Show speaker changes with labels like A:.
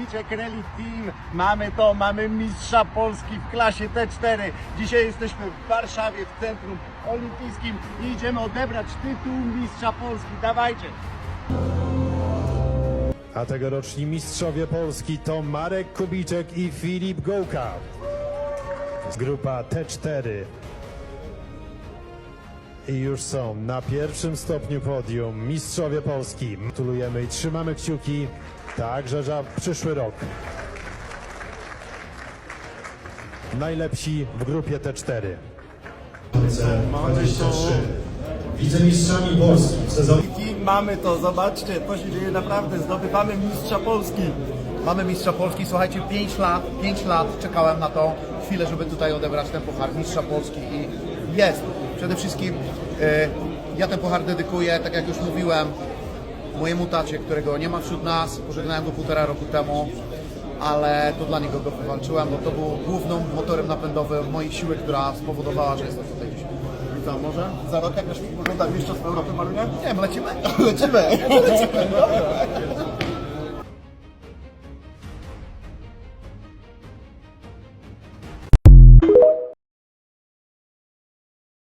A: Kubiczek Rally Team, mamy mistrza Polski w klasie T4. Dzisiaj jesteśmy w Warszawie, w Centrum Olimpijskim i idziemy odebrać tytuł mistrza Polski. Dawajcie!
B: A tegoroczni mistrzowie Polski to Marek Kubiczek i Filip Gołka. Grupa T4. I już są na pierwszym stopniu podium mistrzowie Polski. Gratulujemy i trzymamy kciuki także za przyszły rok. Najlepsi w grupie T4.
C: 23. Wicemistrzami Polski w sezonie.
A: Mamy to, zobaczcie, to się dzieje naprawdę, zdobywamy mistrza Polski.
D: Mamy mistrza Polski, słuchajcie, 5 lat czekałem na tą chwilę, żeby tutaj odebrać ten puchar mistrza Polski i jest. Przede wszystkim ja ten puchar dedykuję, tak jak już mówiłem, mojemu tacie, którego nie ma wśród nas, pożegnałem go 1,5 roku temu, ale to dla niego go wywalczyłem, bo to był głównym motorem napędowym mojej siły, która spowodowała, że jestem tutaj dzisiaj.
A: I co, może za rok jak wygląda mistrzostwo Europy, Marunia?
D: Nie wiem, lecimy?
A: Lecimy! Lecimy, dobra.